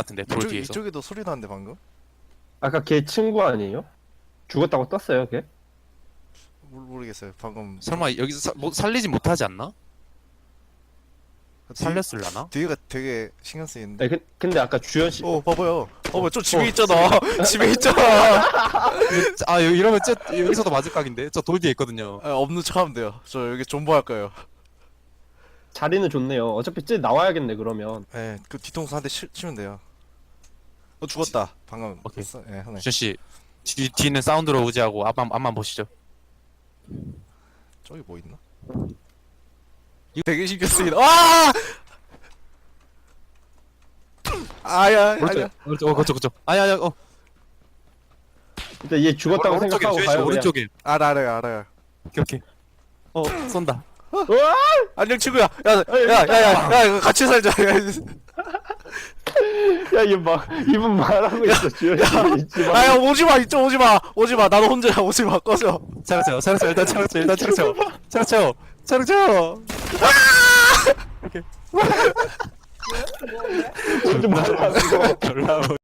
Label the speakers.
Speaker 1: 같은데 돌 뒤에서.
Speaker 2: 이쪽에도 소리 나는데 방금?
Speaker 3: 아까 걔 친구 아니에요? 죽었다고 떴어요 걔?
Speaker 2: 모르겠어요. 방금
Speaker 1: 설마 여기서 뭐 살리지 못하지 않나? 살렸을라나?
Speaker 2: 뒤에가 되게 신경 쓰이는데.
Speaker 3: 네, 근데 아까 주연씨
Speaker 2: 봐봐요. 저 집에 있잖아. 집에 있잖아.
Speaker 1: 아 이러면 여기서도 맞을 각인데 저 돌 뒤에 있거든요.
Speaker 2: 없는 척하면 돼요. 저 여기 존버할 거예요.
Speaker 3: 자리는 좋네요. 어차피 쟤 나와야겠네 그러면.
Speaker 2: 네, 그 뒤통수 한 대 치면 돼요. 죽었다. 방금.
Speaker 1: 오케이.
Speaker 2: 네, 하네.
Speaker 1: 주현 씨 뒤는 사운드로 우지하고 앞만 보시죠.
Speaker 2: 저기 뭐 있나? 이거 되게 신경 쓰이다. 아! 아야, 아야.
Speaker 1: 그쪽. 아야.
Speaker 3: 일단 얘 죽었다고
Speaker 1: 오른쪽에
Speaker 3: 생각하고
Speaker 1: 주현 씨
Speaker 3: 가요. 그냥.
Speaker 1: 오른쪽에.
Speaker 2: 알아요.
Speaker 1: 오케이. 쏜다.
Speaker 3: 우와!
Speaker 2: 안녕 친구야. 야, 이거 같이 살자.
Speaker 3: 야, 이분 말하고 있어, 주연씨. 잊지 마.
Speaker 2: 야, 오지마, 이쪽 오지마. 나도 혼자야, 오지마, 꺼져.
Speaker 1: 차려 일단 차려.
Speaker 3: 좀 말하고.
Speaker 1: 졸라